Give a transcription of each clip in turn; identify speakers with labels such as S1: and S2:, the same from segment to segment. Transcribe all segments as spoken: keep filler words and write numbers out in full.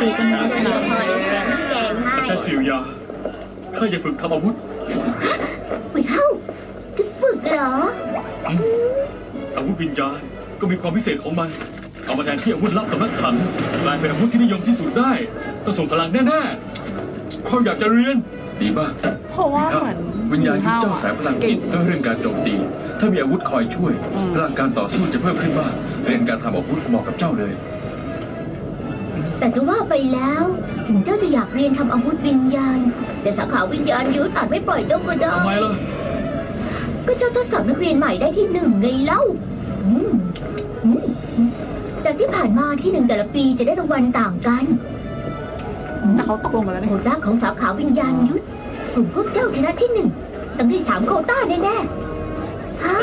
S1: กันนะชนะ
S2: แกงให้
S3: อาจารย์สิวยาข้าจะฝึกทำอาวุธ
S2: เฮ้ยเฮ้าจะฝึกเหรอ
S3: อืมอาวุธวิญญาณก็มีความพิเศษของมัน เอามาแทนที่อาวุธลับสำนักขังกลายเป็นอาวุธที่นิยมที่สุดได้ต้องส่งพลังแน่ๆเขาอยากจะเรียนดีมาก
S1: เพราะว่าเหมือน
S4: วิญญาณยุทธเจ้าสายพลังจิตเรื่องการโจมตี ถ้ามีอาวุธคอยช่วยพลังการต่อสู้จะเพิ่มขึ้นมากเรียนการทำอาวุธเหมาะกับเจ้าเลย
S2: แต่จะว่าไปแล้ว ถึงเจ้าจะอยากเรียนทำอาวุธวิญญาณ แต่สาขาวิญญาณยุทธอาจไม่ปล่อยเจ้าก็ได้
S3: ทำไมล่ะ
S2: ก็เจ้าทดสอบนักเรียนใหม่ได้ที่หนึ่งไงเล่าอืมอืมจากที่ผ่านมาที่หนึ่งแต่ละปีจะได้รางวัลต่างกัน
S1: แต่เขาตกลงกันแล้ว
S2: โค
S1: นี่
S2: ต้าของสาขาวิญญาณยุทธกลุ่มพวกเจ้าชนะที่หนึ่งต้องได้สามโควต้าแน่ๆฮะ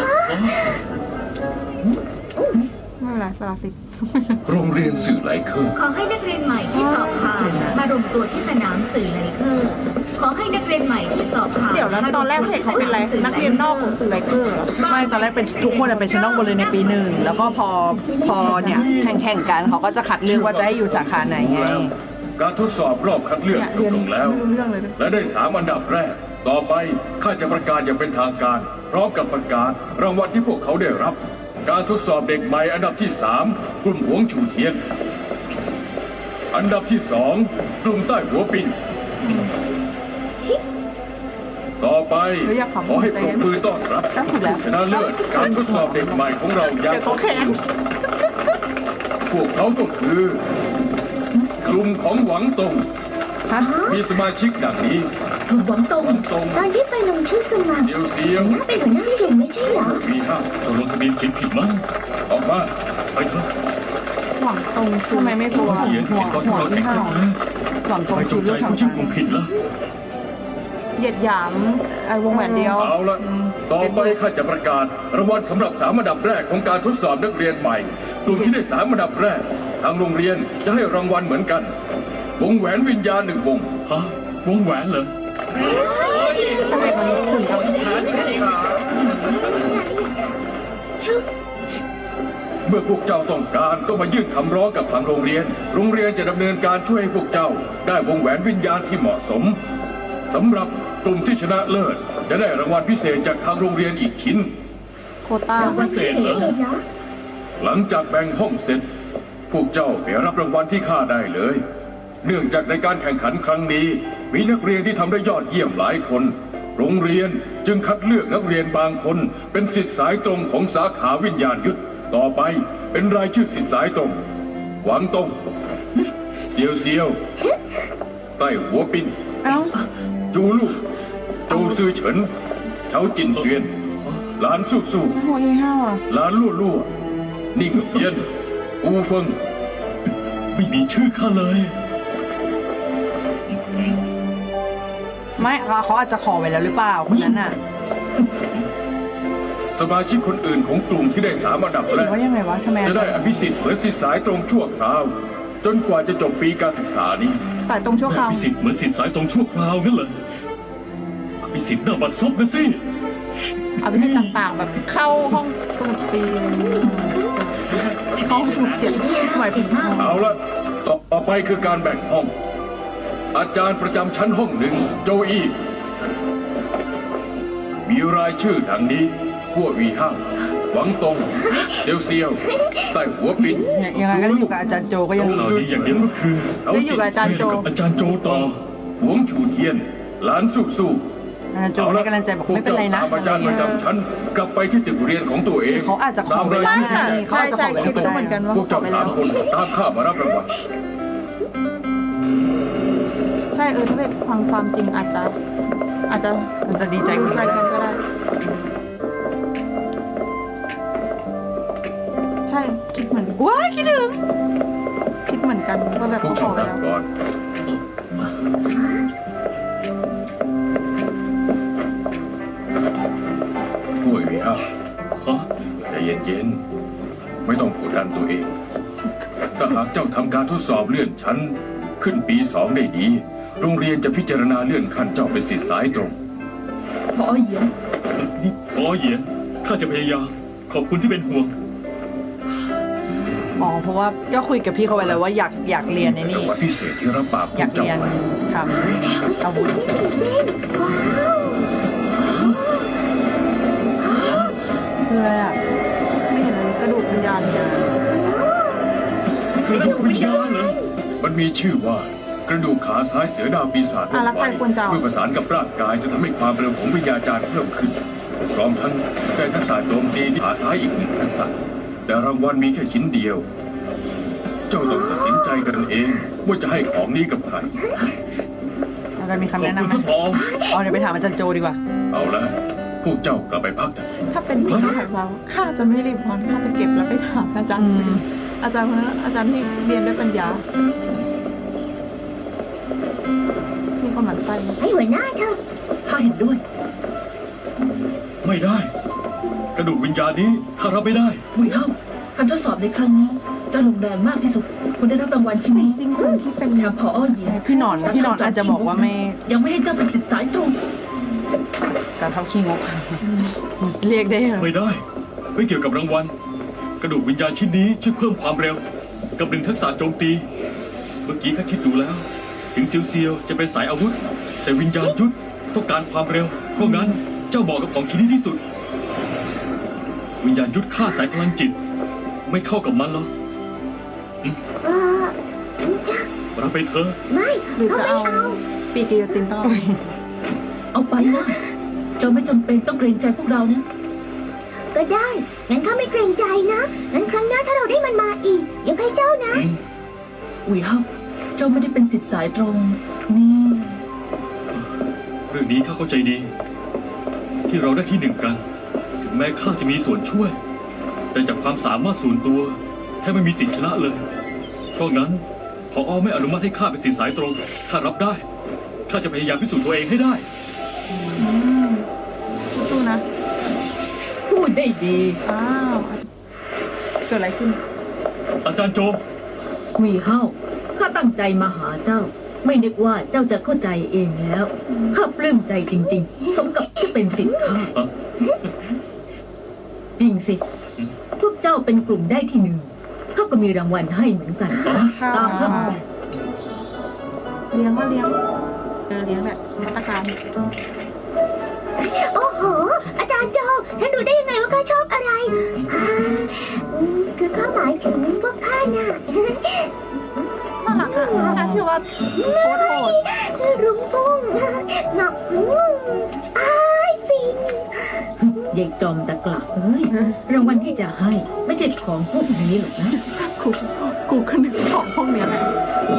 S1: ไม่เป็นไรสลาสิ
S4: โรงเรียนสื่อไหลเคอร์
S5: ขอให้นักเรียนใหม่ที่สอบผ่านมารวมตัวที่สนามสื่อไลเคอร์ขอให้นักเรียนใหม่ที่สอบผ่าน
S1: เดี๋ยวแล้วตอนแรกเพจเขาเป็นอะไรนักเรียนนอกของสื่อไลเคอร์เหรอ
S6: ไม่ตอนแรกเป็นทุกคนเป็นชั้นนอกหมดเลยในปีหนึ่งแล้วก็พอพอเนี่ยแข่งแข่งๆกันเขาก็จะคัดเลือกว่าจะให้อยู่สาขาไหนไง
S4: การทดสอบรอบคัดเลือก
S1: เนี่ย
S4: จ
S1: เรีย
S4: บ
S1: น
S4: ลงแล้ว
S1: ไม่รู้เรื่องเลย
S4: และได้สามอันดับแรก ต่อไปข้าจะประกาศอย่างเป็นทางการ พร้อมกับประกาศรางวัลที่พวกเขาได้รับ การทดสอบเด็กใหม่อันดับที่สามกลุ่มหวงชูเทียน อันดับที่สองกลุ่มใต้หัวปินต่อไปขอให้ปรบมือต้อนรับผู้ชนะเลิศการทดสอบเด็กใหม่ของเราอย่าง
S1: เดี๋ยวเขาแข่ง
S4: พวกเขาก็คือ กลุ่มของหวังตง
S6: ฮะ
S4: มีสมาชิกดังนี้
S2: กลุ่มหวังตง
S4: หวังตง
S2: ตอนที่ไปลงชื่อสมัคร
S4: เดียวเสียว
S2: น่าเป็นหัวหน้ากลุ่มไม่ใช่เหรอ
S4: วีห้า
S3: ตกลงทะเบียนเขียนผิดมั้ง
S4: ออกมา
S3: ไปเถอะ
S1: หวังตรงคือ
S6: ทำไมไม่ตัว
S3: เขียน
S6: หั
S3: ผิ
S6: ว
S3: ดตอนที่
S6: หัว
S3: เรา
S6: ที่
S3: แข่ง
S6: ห้า
S3: ขัน
S6: หล่อนตรง
S3: ไปจ
S6: คือง
S3: ใจ
S6: ลูกทาง
S3: ผู้ชื่อกลุ่มผิดแล้ว
S1: เหยียดหยามไอ้วงแหวนเดียว
S4: เอาละต่อไปข้าจะประกาศรางวัลสำหรับสามอันดับแรกของการทดสอบนักเรียนใหม่ กลุ่มที่ได้สามอันดับแรก ทางโรงเรียนจะให้รางวัลเหมือนกัน วงแหวนวิญญาณหนึ่งวง
S3: ฮะ วงแหวนเหรอ
S1: ทำไมมันถึงกับ
S2: ชึบ
S4: เมื่อพวกเจ้าต้องการก็มายื่นคำร้องกับทางโรงเรียน โรงเรียนจะดำเนินการช่วยให้พวกเจ้า ได้วงแหวนวิญญาณที่เหมาะสมสำหรับกลุ่มที่ชนะเลิศจะได้รางวัลพิเศษจากทางโรงเรียนอีกชิ้น
S1: โควต้า
S3: พิเศษเหรอ
S2: เหรอ
S4: หลังจากแบ่งห้องเสร็จ พวกเจ้าไปรับรางวัลที่ข้าได้เลย เนื่องจากในการแข่งขันครั้งนี้ มีนักเรียนที่ทำได้ยอดเยี่ยมหลายคน โรงเรียนจึงคัดเลือกนักเรียนบางคน เป็นศิษย์สายตรงของสาขาวิญญาณยุทธต่อไปเป็นรายชื่อศิษย์สายตรงหวังตงเซียวเซียวใต้หัวปิน
S6: เอ้า
S4: จูลู่โจวซือเฉินเฉาจินเซียนหลานสู้สู้
S6: หัวที่ห้าอ่ะ
S4: หลานลั่วลั่วนิ่งเทียนอูเฟิง
S3: ไม่มีชื่อข้าเลย
S6: ไม่เขาอาจจะขอไว้แล้วหรือเปล่าคนนั้นน่ะ
S4: สมาชิกคนอื่นของกลุ่มที่ได้สามอันดับ
S6: ห
S4: แร
S6: รือก ว่ายังไงวะทำไม
S4: จะได้อภิสิทธิ์เหมือนศิษย์สายตรงชั่วคราว จนกว่าจะจบปีการศึกษานี้
S1: สายตรงชั่วคราว
S3: อภิสิทธิ์เหมือนสิทธิ์สายตรงชั่วคราวงั้นเหรออภิสิทธิ์หน้าบัดซบนะสิ
S1: เอาไปที่ต่างๆ แบบเข้าห้องสมุดปีอะไรอย่างเงี้ยเข้าห้องสมุดเจ็ดหมายถึง
S4: เอาละต่อไปคือการแบ่งห้อง อาจารย์ประจำชั้นห้องหนึ่งโจอี้มีรายชื่อดังนี้ขั้ววีห้างหวังตงเซียวเซียวใต้หัวปิน
S6: เนี่ยยังไงก็ได้อยู่กับอาจารย์โจก็ยังดี
S3: ข่าวดีอย่างเดียวก็คือ
S1: ได้อยู่กับอาจารย์โจ
S3: กับอาจารย์โจต่อ
S4: หวงชูเทียนหลานสู้สู้
S6: อาจารย์โจให้กำลังใจบอกไม่เป็นไรนะ
S4: พวกเจ้าตามอาจารย์ประจำชั้นกลับไปที่ตึกเรียนของตัวเอง
S6: เขาอาจจะขอไว้
S4: ตาม
S6: แล้ว
S4: รายชื่อ
S6: เขาอาจจะขอไว้
S1: ใช่
S6: แล้วก็
S1: ใช่คิด
S6: ได้
S1: ว่าเหมือนกันว่า
S4: พวกเจ้า
S1: ไป
S4: สา
S1: แล้
S4: ม
S1: ว
S4: คนตามข้ามารับรางวัล
S1: ใช่เออถ้าเป็นความความจริงอาจจะ อาจจะ
S6: มันจะดีใจกว่า
S1: อะไร
S6: นี้
S1: กันก็ได้ ใช่คิดเหมือน
S6: ว้ายคิดถึง
S1: คิดเหมือนกันว่าแบบ
S4: พวก
S1: เขาขอ
S4: เจ้า
S1: ไป
S4: นั่ง
S1: แล้ว
S4: ก่อนผู้ยวีห้า
S3: ฮะ
S4: ใจเย็นๆ ไม่ต้องกดดันตัวเอง ถ้าหากเจ้าทำการทดสอบเลื่อนชั้น ขึ้นปีสองได้ดี โรงเรียนจะพิจารณาเลื่อนขั้นเจ้าเป็นศิษย์สายตรง
S2: พอเหยียน
S3: นี่พอเหยียนข้าจะพยายาม ขอบคุณที่เป็นห่วง
S6: อ๋อเพราะว่าก็คุยกับพี่เขาไปแล้วว่าอยากอยากเรียนใน
S4: รา
S6: นี่
S4: งวัลพิเศษที่รับปากพ
S6: อ
S4: วย
S6: าก
S4: กเจ้า
S6: เรียน
S4: ไว้
S6: ทำอาวุธ
S2: ตื่นเต้นว้าว
S6: คืออะไรอ่ะ
S1: ไม่เห็นเลยกระดูกวิญญาณเนี่ย
S3: กระดูกวิญญาณเหรอ
S4: มันมีชื่อว่ากระดูกขาซ้ายเสือดาวปีศาจ
S1: อ่ะแล้วใครควรจะเอา
S4: เมื่อประสานกับร่างกายจะทำให้ความเร็วของวิญญาจารย์เพิ่มขึ้นพร้อมทั้งได้ทักษะโจมตีที่ขาซ้ายอีกหนึ่งทักษะแต่รางวัลมีแค่ชิ้นเดียว เจ้าต้องตัดสินใจกันเองว่าจะให้ของนี้กับใคร
S6: อาจารย์มี
S3: ขอบ
S6: คำแนะ
S3: คุณ
S6: นำไหม
S3: ท่านผอ
S6: อ๋อเดี๋ยวไปถามอาจารย์โจดีกว่า
S4: เอาละพวกเจ้ากลับไปพักเถอะ
S1: ถ้าเป็นคนที่ถ่ายเราข้าจะไม่รีบร้อนข้าจะเก็บแล้วไปถามอาจารย์
S6: อืม
S1: อาจารย์คนนั้นอาจารย์ที่เรียนด้วยปัญญามีคนหมั่นไส้ไหม
S2: ให้หัวหน้าเถอะ
S5: ข้าเห็นด้วย
S3: ไม่ได้ กระดูกวิญญาณนี้ข้ารับไม่ได้
S5: บุยเฮาการทดสอบในครั้งนี้เจ้าลงแรงมากที่สุด คุณได้รับรางวัลชิ้น
S1: แต่
S5: นี้
S1: จริงๆคนที่เป็น
S5: แถมพออ้อเหยีย
S6: พี่หนอนพี่หนอนอาจจะบอกว่าไม่
S5: ยังไม่ให้เจ้าเป็นสิทธิ์สายตรง
S6: การเท่าขี้งก เรียกได้เหรอ
S3: ไม่ได้ ไม่เกี่ยวกับรางวัล กระดูกวิญญาณชิ้นนี้ช่วยเพิ่มความเร็ว กับหนึ่งทักษะโจมตี เมื่อกี้ข้าคิดดูแล้ว ถึงเจียวเซียวจะเป็นสายอาวุธ แต่วิญญาณยุทธต้องการความเร็ว เพราะงั้นเจ้าเหมาะกับของชิ้นนี้ที่สุด วิญญาณยุทธฆ่าสายพลังจิต ไม่เข้ากับมันหรอก
S2: เออ
S3: รับไปเถอะ
S2: ไม่
S1: หรือ
S2: เขา
S1: จะ
S2: ไม่
S1: เอา
S2: เอา
S1: ปีกิโยตินต้องเอา
S5: เอาไปนะเจ้าไม่จำเป็นต้องเกรงใจพวกเรานะ
S2: ก็ได้ งั้นข้าไม่เกรงใจนะ งั้นครั้งหน้าถ้าเราได้มันมาอีกยกให้เจ้านะ
S3: อืม
S5: อุยเฮาเจ้าไม่ได้เป็นสิทธิ์สายตรง นี่
S3: เรื่องนี้ข้าเข้าใจดี ที่เราได้ที่หนึ่งกัน ถึงแม้ข้าจะมีส่วนช่วย แต่จากความสามารถส่วนตัวแทบไม่มีสิทธิชนะเลย เพราะงั้นพออไม่อนุมัติให้ข้าเป็นสิทธิสายตรงข้ารับได้ข้าจะพยายามพิสูจน์ตัวเองให้ได้
S1: อืมสู้ๆนะ
S5: พูดได้ดี
S1: อ้าวเกิดอะไรขึ้น
S3: อาจารย์โจ
S5: อุยเฮาข้าตั้งใจมาหาเจ้า ไม่นึกว่าเจ้าจะเข้าใจเองแล้วข้าปลื้มใจจริง ๆ สมกับที่เป็นสิทธิ์ข้า
S3: อ่ะ
S5: จริงสิ พวกเจ้าเป็นกลุ่มได้ที่หนึ่งเขาก็มีรางวัลให้เหมือนกัน
S3: อ๋อ
S1: ข้าว
S5: ตามครับ
S1: เลี้ยงว่าเลี้ยงเออเลี้ยงแหละมาตรการ
S2: โอ้โห อาจารย์โจท่านดูได้ยังไงว่าข้าชอบอะไรอ่าอืมคือข้าหมายถึงพวกข้าน่ะ
S1: น่ารักอ่ะน่าเชื่อว่าโคตรโหด
S2: รุ้งพุ่งหนักอืมอ้ายฟิน
S5: ยายจอมตะกละเอ้ย รางวัลที่จะให้ ไม่ใช่ของพวกนี้หรอกนะ
S1: กูกูก็นึกของพวกเนี้ยแหละ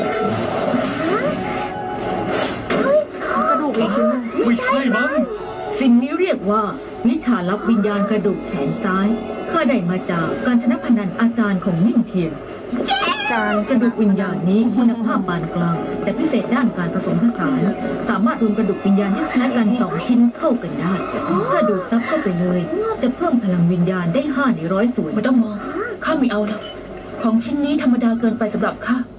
S2: เฮ้ย
S1: กระดูกอีกชิ้นหนึง
S3: ไม่ใช่มั้ง
S5: สิ่งนี้เรียกว่า วิชาลับวิญญาณกระดูกแขนซ้าย ข้าได้มาจากการชนะพนันอาจารย์ของนิ่งเทียน
S1: การ
S5: กระดูกวิญญาณนี้คุณภาพปานกลาง แต่พิเศษด้านการผสมผสาน สามารถรวมกระดูกวิญญาณที่คล้ายกันสองชิ้นเข้ากันได้ ถ้าดูดซับเข้าไปเลย จะเพิ่มพลังวิญญาณได้ห้าในร้อยส่วนไม่ต้องมอง ข้าไม่เอาแล้วของชิ้นนี้ธรรมดาเกินไปสำหรับข้าก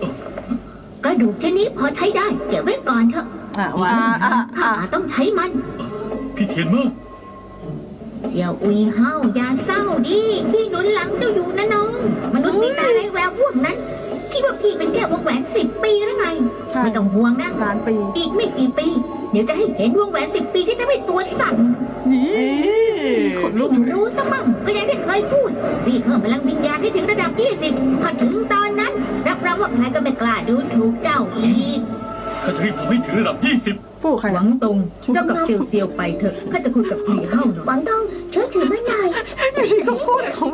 S2: ระดูกชนิดพอใช้ได้ เก็บไว้ก่อนเถอะ
S6: อ่ะว่า
S1: อ่าอ่า
S2: ข้า
S1: อ่า
S2: ต้องใช้มัน
S3: พี่เทียนเมื่อ
S2: เสี่ยวอุยเฮาอย่าเศร้าดิพี่หนุนหลังเจ้าอยู่นะน้อง มนุษย์มีตาไรแววพวกนั้น คิดว่าพี่เป็นแค่วงแหวนสิบปีหรือไง
S1: ใช่
S2: ไม่ต้องห่วงนะ
S1: ล้านปี
S2: อีกไม่กี่ปี เดี๋ยวจะให้เห็นวงแหวนสิบปีที่ทำให้ตัวสั่น
S1: นี่ ขนลุก
S2: ให้รู้ซะมั่งก็ยังได้เคยพูดรีบเพิ่มพลังวิญญาณให้ถึงระดับยี่สิบพอถึงตอนนั้น รับรองว่าใครก็ไม่กล้าดูถูกเจ้าอีก
S3: ข้าจะรีบทำให้ถึงระดับยี่สิบ
S1: ผู้ใคร
S5: หวังตรง เจ้ากับเซียวเซียวไปเถอะ ข้าจะคุยกับหลีเฮ้าหน่
S2: หวั
S5: อย
S2: งทองช่วยถือมาหน่อย
S1: อยู่ที่เขาพูดเขา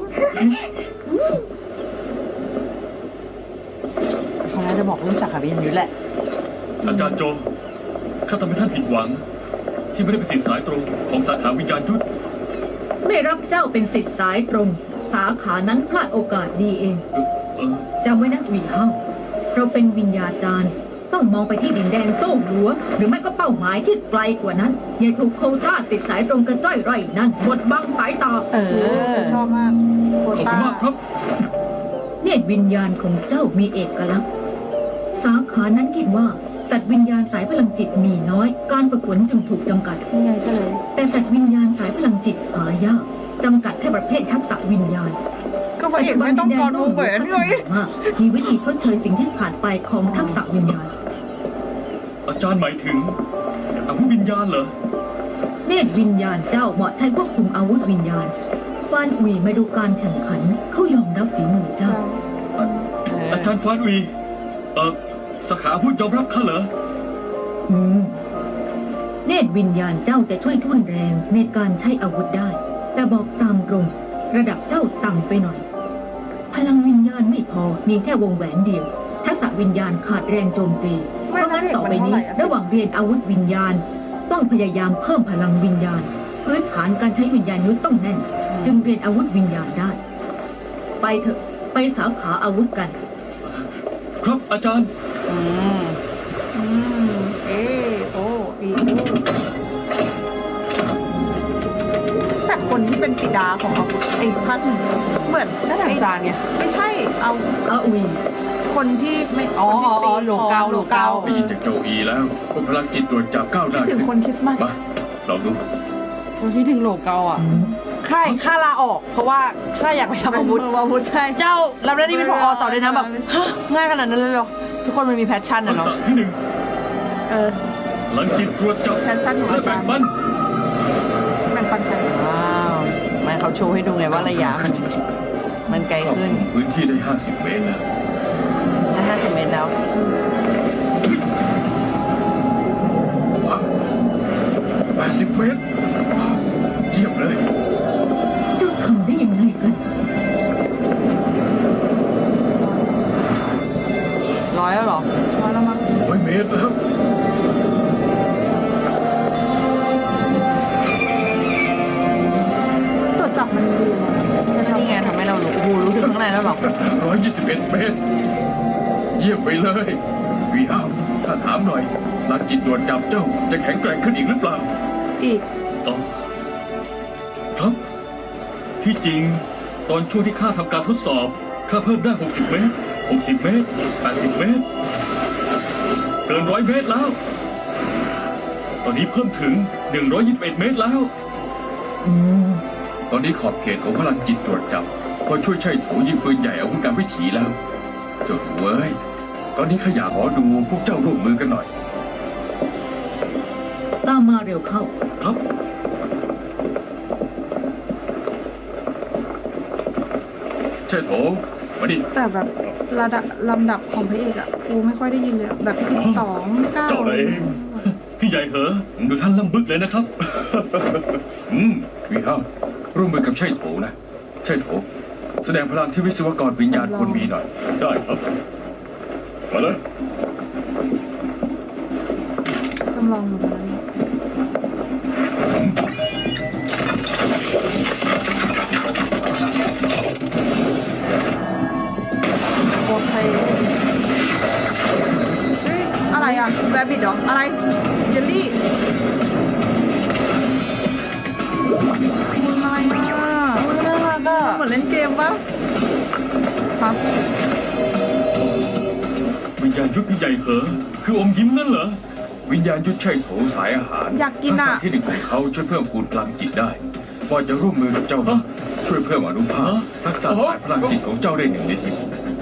S6: เขาน่าจะบอกเรื่องสาขาวิญญาณยุทธแหละ
S3: อาจารย์โจข้าทำให้ท่านผิดหวัง ที่ไม่ได้เป็นสิทธิสายตรงของสาขาวิญญาณยุทธ
S5: ไม่รับเจ้าเป็นสิทธิ์สายตรง สาขานั้นพลาดโอกาสดีเอง
S3: เอ่อเออ
S5: จำไว้นะหลีเฮ้าเราเป็นวิญญาจารย์ ต้องมองไปที่ดินแดนโต้หัว หรือไม่ก็เป้าหมายที่ไกลกว่านั้น อย่าถูกโควต้าสิทธิ์สายตรงกระจ้อยไร่นั่นบดบังสายตา
S6: เออ
S1: ชอบมากโค
S3: ขอบคุ
S1: ต้า
S3: ณมากครับ
S5: เนตรวิญญาณของเจ้ามีเอกลักษณ์ สาขานั้นคิดว่า สัตว์วิญญาณสายพลังจิตมีน้อย การฝึกฝนจึงถูกจำกัด
S1: นี่ไงเฉลย
S5: แต่สัตว์วิญญาณสายพลังจิตหายากจำกัดแค่ประเภททักษะวิญญาณ
S1: ก็พระเอกไม่ต้องกอดวงแหวนเลย
S5: ว่ามีวิธีชดเชยสิ่งที่ขาดไปของทักษะวิญญาณ
S3: อาจารย์หมายถึงอาวุธวิญญาณเหรอ
S5: เนตรวิญญาณเจ้าเหมาะใช้ควบคุมอาวุธวิญญาณฟานอุยมาดูการแข่งขันเขายอมรับฝีมือเจ้า
S3: อาจารย์ฟานอุยเออสาขาอาวุธยอมรับข้าเหรอ
S5: อืม เนตรวิญญาณเจ้าจะช่วยทุ่นแรงในการใช้อาวุธได้ แต่บอกตามตรง ระดับเจ้าต่ำไปหน่อย พลังวิญญาณไม่พอมีแค่วงแหวนเดียว ทักษะวิญญาณขาดแรงโจมตีเพ
S1: ไม่
S5: ราะงั้น
S1: นะ
S5: ต่อไป
S1: มันเท่า
S5: นี้
S1: ไหร่อะ
S5: ระหว่างเรียนอาวุธวิญญาณ ต้องพยายามเพิ่มพลังวิญญาณ พื้นฐานการใช้วิญญาณยุทธต้องแน่น จึงเรียนอาวุธวิญญาณได้ ไปเถอะไปสาขาอาวุธกัน
S3: ครับอาจารย์
S6: อืม
S1: อืมเอโออีโอแต่คนที่เป็นปิดาของอาวุธไอ้พัดเหมือน
S6: ก็ถังซานไง
S1: ไม่ใช่เอา
S5: อาอุย
S1: คนที่ไม่
S6: อ๋อ
S1: คนที่ตี
S6: อ๋อโลเกา
S1: ของ
S6: โลเกา
S1: เอ
S4: ได้ยิ
S1: อน
S4: จากโจอีแล้วพวกพลังจิตตรวจจับก้าวห
S1: คิด
S4: น้า
S1: ถึง
S4: ขึ้น
S1: คนคริสต์มาส
S4: มาลองดู
S6: เราคิดถึงโลเกาอ่ะ
S5: อืม
S6: ค่ายค่าลาออก เพราะว่าค่าอยากไปทำอาวุธ
S1: อาวุธใช่
S6: เจ้ารับหน้าที่เป็นผอต่อเลยนะแบบฮะง่ายขนาดนั้นเลยเหรอ ทุกคนมันมีแพชชั่น
S3: ทั
S6: นะ
S3: ก
S6: เนาะ
S3: ษะที่หนึ่ง
S1: เออ
S3: พลังจิตตรวจจับ
S1: แพชชั่นของ
S3: และ
S1: อา
S3: แบ่
S1: จาง รย์
S3: ปัน
S1: แบ่งปันใคร
S6: ว้าวมันเขาโชว์ให้ดูไงว่าระยะมันมันไกล
S4: ครอบ
S6: ขึ้น
S4: คลุมพื้นที่ได้ ห้าสิบ เมตรแล้ว
S6: จะห้าสิบเมตรแล้ว
S4: แปดสิบ เมตร เยี่ยมเลย
S5: เจ้าทำได้ยังไงกัน
S6: ร้อยแล้วเหรอ
S1: ร้อยแล้วมั้ง
S4: ร้อยเมตรแล้ว
S1: ตรวจจับมันดีนะจะทำ
S6: นี่ไงทำให้เรารู้โอ้โหรู้ถึงข้างในแล้วเหรอ
S4: ร้อยยี่สิบเอ็ด เมตร เยี่ยมไปเลยวีอ้าวถ้าถามหน่อยพลังจิตตรวจจับเจ้าจะแข็งแกร่งขึ้นอีกหรือเปล่า
S1: อีก
S3: ต่อครับ ที่จริง ตอนช่วงที่ข้าทำการทดสอบข้าเพิ่มได้ หกสิบ เมตร หกสิบ เมตร แปดสิบ เมตร เกินร้อยเมตรแล้ว ตอนนี้เพิ่มถึง หนึ่งร้อยยี่สิบเอ็ด เมตรแล้ว
S5: อืม
S4: ตอนนี้ขอบเขตของพลังจิตตรวจจับพอช่วยใช้โถยิงปืนใหญ่อาวุธการวิถีแล้ว เจ้าหนูเอ้ยตอนนี้ขยาขอดูพวกเจ้าร่วมมือกันหน่อย
S5: ตามมาเร็วเข้า
S3: ครับ
S4: ใช่โถมาดิ
S1: แต่แบบระดับลำดับของพระเอกอะกูไม่ค่อยได้ยินเลยอะแบบสิบสองเก้า
S3: เจ้าเลยพี่ใหญ่เหอะดูท่านลำบึกเลยนะครับ
S4: อืมวีอ้าวร่วมมือกับใช่โถนะใช่โถแสดงพลังที่วิศวกรวิญญาณควรมีหน่อย
S3: ได้ครับ มาเลย
S1: จำลองหมดแล้วเนี่ยโอเคเฮ้ยอะไรอะแรบบิทเหรอ อะไรเยลลี่มึงอะไรอ่ะ
S6: น่ารักอ่ะ
S1: เหมือนเล่นเกมปะครับ
S3: วิญญาณยุทธพี่ใหญ่เหอะคืออมยิ้มนั่นเหรอ
S4: วิญญาณยุทธใช่โถสายอาหาร
S1: อยากกินอะ
S4: ทัษที่หนึ่งของเขาช่วยเพิ่มพูนพลังจิตได้พอจะร่วมมือกับเจ้านะช่วยเพิ่มอนุภาพ
S3: ฮะ
S4: ทักษะสายพลังจิตของเจ้าได้หนึ่งในสิบ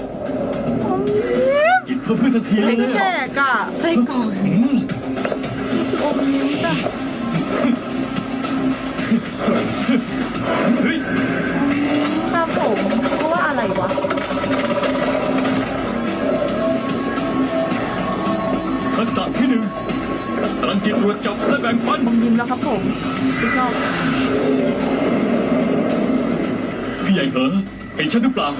S3: จิตเพิ่มขึ้นทันทีเล
S1: เซ็
S3: ย
S1: กแตกอะ
S6: ไส้กรอก
S3: อืม
S1: นี่คืออมยิ้มจ้ะ
S3: เฮ้ย
S1: ครับผมเพราะว่าอะไรวะ
S3: ทักษะที่หนึ่งพลังจิตตรวจจับและแบ่งปัน
S1: อมยิ้มแล้วครับผมไม่ชอบ
S3: พี่ใหญ่เหอะเห็นฉันหรือเปล่า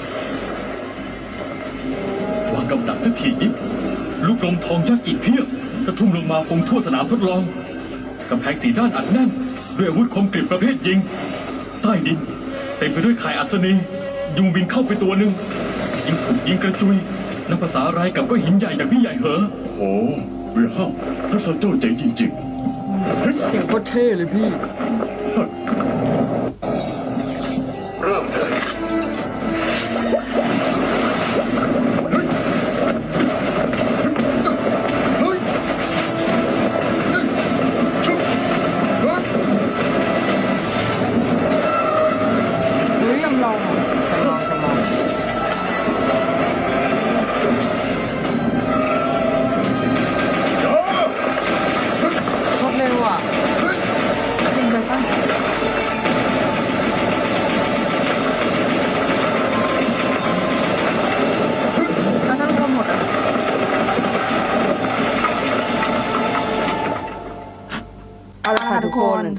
S3: วางกำลังสักทีนิดลูกลมทองยักษ์อีกเพียบกระทุ่มลงมาคงทั่วสนามทดลองกำแพงสีด้านอัดแน่นด้วยอาวุธคมกริบประเภทยิง ใต้ดินเต็มไปด้วยข่ายอัศนียุงบินเข้าไปตัวหนึ่งยิงถูกยิงกระจุยนับภาษาอะไรกับก้อนหินใหญ่อย่างพี่ใหญ่เหอะ
S4: โอ้เวียห้าทักษะเจ้าเจ๋งจริง
S6: เสียงโคตรเท่เลยพี่
S4: ๆ เริ่มเลย
S1: เฮ้ยจำลองเหรอ
S6: จำลองจำลอง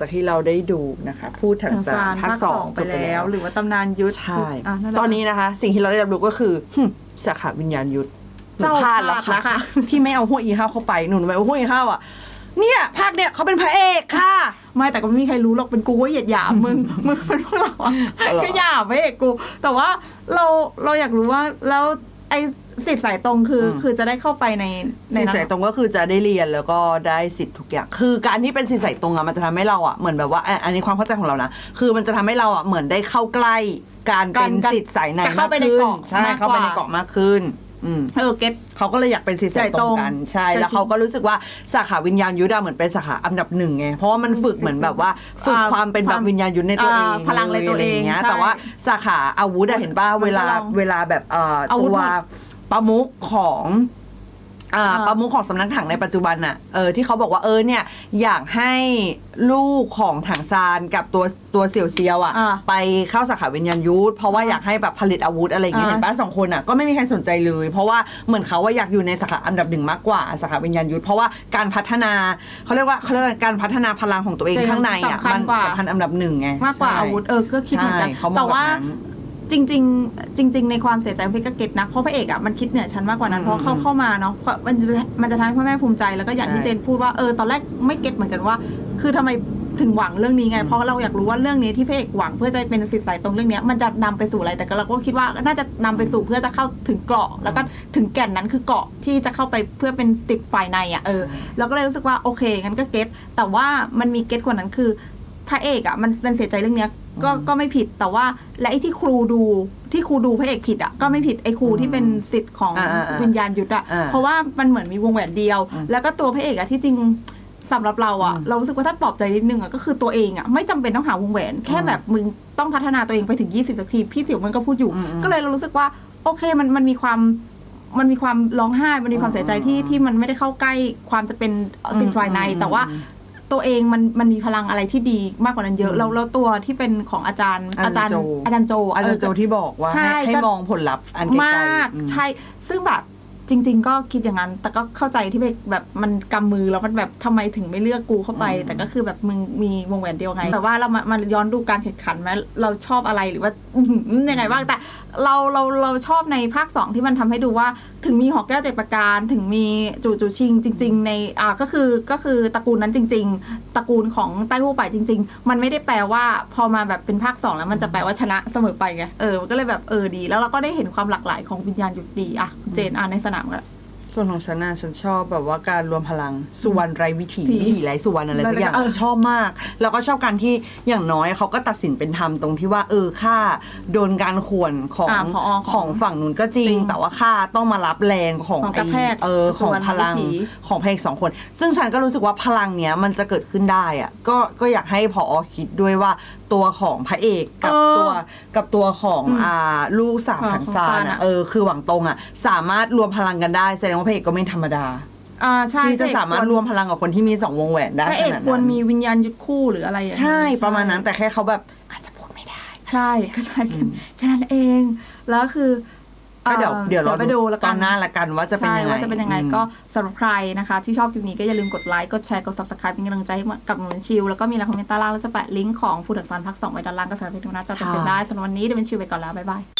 S6: ที่เราได้ดูนะคะ พูดถังซานภาคสอง
S1: ไปแล้ว หรือว่าตำนานยุทธ
S6: ใช่
S1: ะแหละ
S6: ตอนนี้นะคะ สิ่งที่เราได้รับรู้ก็คือหึสาขาวิญญาณยุทธหนู
S1: เจ้า
S6: พลาดแล้ว
S1: พลาดแล้ว
S6: ค่ะ
S1: ค่ะ
S6: ที่ไม่เอาหัวอีห้าวเข้าไปหนูไม่เอาหัวอีห้าวอ่ะเนี่ยภาคเนี่ยเขาเป็นพระเอกค่ะ
S1: ไม่แต่ก็ไม่มีใครรู้หรอกเป็นกูว่าเหยียดหยามมึง มึงเป็นพวกเราอะ
S6: อ๋อเหรอ
S1: ก็หยามไม่เอกกู แต่ว่าเราเราอยากรู้ว่าแล้วไอ้สิทธิ์สายตรงคืออคือจะได้เข้าไปในใน
S6: สิน
S1: นั้น
S6: สายตรงก็คือจะได้เรียนแล้วก็ได้สิทธิ์ทุกอย่าง คือการที่เป็นสินสายตรงอะมันจะทำให้เราอะเหมือนแบบว่าอ่ะอันนี้ความเข้าใจของเรานะคือมันจะทำให้เราอะเหมือนได้เข้าใกล้การเป็นสิทธิ์สายใน
S1: จะเข้าไปใน
S6: มขึ้
S1: เกาะ
S6: ใช่
S1: มากกว่า
S6: เข้าไปในเกาะมากขึ้นอืม
S1: เออเก็ต
S6: เขาก็เลยอยากเป็นสิทธิ์สายตรงกันใช่
S1: สายตรง
S6: แล้วเขาก็รู้สึกว่าสาขาวิญญาณยุทธอะเหมือนเป็นสาขาอันดับหนึ่งไงเพราะว่ามันฝึกเหมือนแบบว่าฝึก
S1: อ่า
S6: ความเป็นแบบวิญญาณยุทธในตัวเอง
S1: อ่าพลังในตัวเอง
S6: ะไรย่าเงี้ย
S1: ใช่
S6: แต่ว่าสาขาอาวุธอะเห็นป่ะ
S1: มันก็
S6: เวลา
S1: ลอง
S6: เวลาแบบเอ่อ
S1: อาวุธ
S6: ตัว
S1: หมด
S6: ประมุขของอ่า
S1: อ่า
S6: ประมุขของสำนักถังในปัจจุบันน่ะเออที่เขาบอกว่าเออเนี่ยอยากให้ลูกของถังซานกับตัวตัวเสี่ยวเซียวอ่ะ
S1: อ่า
S6: ไปเข้าสาขาวิญญาณยุทธเพราะว่าอยากให้แบบผลิตอาวุธอะไรอย่างเงี้ย
S1: อ่า
S6: เห็นป่ะสองคนอ่ะก็ไม่มีใครสนใจเลย เพราะว่าเหมือนเขาว่าอยากอยู่ในสาขาอันดับหนึ่งมากกว่าสาขาวิญญาณยุทธเพราะว่าการพัฒนาเขาเรียกว่าเขาเรียกว่าการพัฒนาพลังของตัวเองข้างในอ่ะ
S1: สำคั
S6: มั
S1: ญ
S6: น
S1: กว่า
S6: สำคัญอันดับหนึ่งไง
S1: มากกว่า
S6: ใช่
S1: อาวุธเออก็คิดเหมือนกัน
S6: ใช่เขามอง
S1: แต่ว่า
S6: แบบนั้น
S1: จริง ๆ จริง ๆ ในความเสียใจของพี่ก็เก็ตนะเพราะพระเอกอ่ะมันคิดเหนือชั้นมากกว่านั้น
S6: อืม
S1: เพราะเข้าเข้ามาเนาะมันจะมันจะทำให้พ่อแม่ภูมิใจแล้วก็อย่างที่
S6: ใช่
S1: เจนพูดว่าเออตอนแรกไม่เก็ตเหมือนกันว่า คือทำไมถึงหวังเรื่องนี้ไง
S6: อืม
S1: เพราะเราอยากรู้ว่าเรื่องนี้ที่พระเอกหวังเพื่อจะเป็นสิทธิ์สายตรงเรื่องเนี้ยมันจะนำไปสู่อะไรแต่ก็เราก็คิดว่าน่าจะนำไปสู่เพื่อจะเข้าถึงเกราะแล้วก็ถึงแก่นนั้นคือเกราะที่จะเข้าไปเพื่อเป็นสิทธิ์ฝ่ายในอ่ะเออ เราก็เลยรู้สึกว่าโอเคงั้นก็เก็ตแต่ว่ามันมีเก็ตกว่านั้นคือพระเอกอ่ะมันเป็นเสียใจเรื่องเนี้ยก็ก็ไม่ผิดแต่ว่าและไอ้ที่ครูดูที่ครูดูพระเอกผิดอ่ะก็ไม่ผิดไอ้ครูที่เป็นสิทธิ์ของ
S6: อ่าอ่าอ่า
S1: วิญญาณยุทธอ่ะ
S6: อ่า
S1: เพราะว่ามันเหมือนมีวงแหวนเดียว
S6: อืม
S1: แล้วก็ตัวพระเอกอ่ะที่จริงสำหรับเราอ่ะ
S6: อืม
S1: เรารู้สึกว่าถ้าปลอบใจนิดนึงอ่ะก็คือตัวเองอ่ะไม่จำเป็นต้องหาวงแหวน แค่แบบมึงต้องพัฒนาตัวเองไปถึงยี่สิบสักทีพี่ติ๋วมันก็พูดอยู่
S6: อืมอืม
S1: ก็เลยเรารู้สึกว่าโอเคมันมันมีความมันมีความร้องไห้มันมีความเสียใจที่
S6: อืม
S1: ที่มันไม่ได้เข้าใกล้ความจะเป็นสิทธิ์ฝ่ายใน
S6: อืม
S1: แต่ว่า ตัวเองมันมันมีพลังอะไรที่ดีมากกว่านั้นเยอะ
S6: อืม
S1: แล้วแล้วตัวที่เป็นของอาจารย์
S6: อา
S1: อา
S6: จา
S1: จาร ร
S6: ย์
S1: ย์
S6: โจ
S1: อาจารย์โจ
S6: อาจารย์โจ
S1: เออ
S6: ที่บอกว่า
S1: ใช่
S6: ให้ให้
S1: ก็
S6: มองผลลัพธ์อันไกลๆ
S1: มาก
S6: อืม
S1: ใช่ ซึ่งแบบจริง ๆ ก็คิดอย่างนั้น แต่ก็เข้าใจที่แบบแบบมันกำมือแล้วมันแบบทำไมถึงไม่เลือกกูเข้าไป
S6: อืม
S1: แต่ก็คือแบบมึงมีวงแหวนเดียวไงแต่ว่าเรามามาย้อนดูการแข่งขันไหมเราชอบอะไรหรือว่า อื้อหือยังไงบ้างแต่เราเราเราชอบในภาคสองที่มันทำให้ดูว่าถึงมีหอกแก้วเจ็ดประการถึงมีจู่จู่ชิงจริง ๆ ในอ่าก็คือก็คือตระกูลนั้นจริง ๆ ตระกูลของไต้หู้ไปจริง ๆ มันไม่ได้แปลว่าพอมาแบบเป็นภาคสองแล้วมันจะแปลว่าชนะเสมอไปไงเออมันก็เลยแบบเออดี แล้วเราก็ได้เห็นความหลากหลายของวิญญาณยุทธดีอ่ะเจนอ่านในสนามกัน
S6: ส่วนของฉันน่ะฉันชอบแบบว่าการรวมพลังสุวรรณไรวิถี
S1: ถี
S6: วิถีไรสุวรรณอะไรสักอย่าง
S1: เออ
S6: ชอบมาก แล้วก็ชอบการที่อย่างน้อยเขาก็ตัดสินเป็นธรรมตรงที่ว่า เออค่าโดนการข่วนของ
S1: อ่าผอของ
S6: ของฝั่งนู้นก็จริง
S1: จริง
S6: แต่ว่าค่าต้องมารับแรงของ
S1: ของกระแทก
S6: ไอ้เออของพลัง
S1: สุวรรณวิถี
S6: ของพระเอกสองคน ซึ่งฉันก็รู้สึกว่าพลังเนี้ยมันจะเกิดขึ้นได้อะก็ก็อยากให้พอคิดด้วยว่าตัวของพระเอกกับ
S1: เออ
S6: ตัวกับตัวของ
S1: อืม
S6: อ่าลูกสาว
S1: ของ
S6: ถังซาน
S1: ของซาน
S6: อะ
S1: อะ
S6: เออคือหวังตรงอะสามารถรวมพลังกันได้แสดงว่าพระเอกก็ไม่ธรรมดา
S1: อ่าใช่
S6: ที่จะสามารถรวมพลังกับคนที่มีสองวงแหวนได้
S1: พระเอก
S6: ขนาด
S1: ควร
S6: นั้น
S1: มีวิญญาณยุทธคู่หรืออะไรอย่าง
S6: ใช่
S1: นี้
S6: ประมาณนั้นแต่แค่เขาแบบอาจจะพูดไม่ได้
S1: ใช่ก็ใช่
S6: อืม
S1: แค่นั้นเอง แล้วคือ
S6: ก็เดี๋ยว
S1: อ่อ
S6: เดี๋ยวเรา
S1: ไปดูแล้ว
S6: ต
S1: กั
S6: อน นหน้าละกันว่าจะเป็น
S1: ใช่
S6: ยังไง
S1: ว่าจะเป็นยังไง
S6: อืม
S1: ก็สำหรับใครนะคะ ที่ชอบคลิปนี้ก็อย่าลืมกดไลค์กดแชร์กด ซับสไครบ์ เป็นกำลังใจให้กับหนูเป็นชิวแล้วก็มีอะไรคอมเมนต์ใต้ล่างแล้วจะแปะลิงก์ของฟูดอักษรภาคสองไว้ด้านล่างก็สามารถไปดูหน้าจอเต็มๆได้สำหรับวันนี้เดี๋ยวเป็นชิวไปก่อนแล้วบ๊ายบาย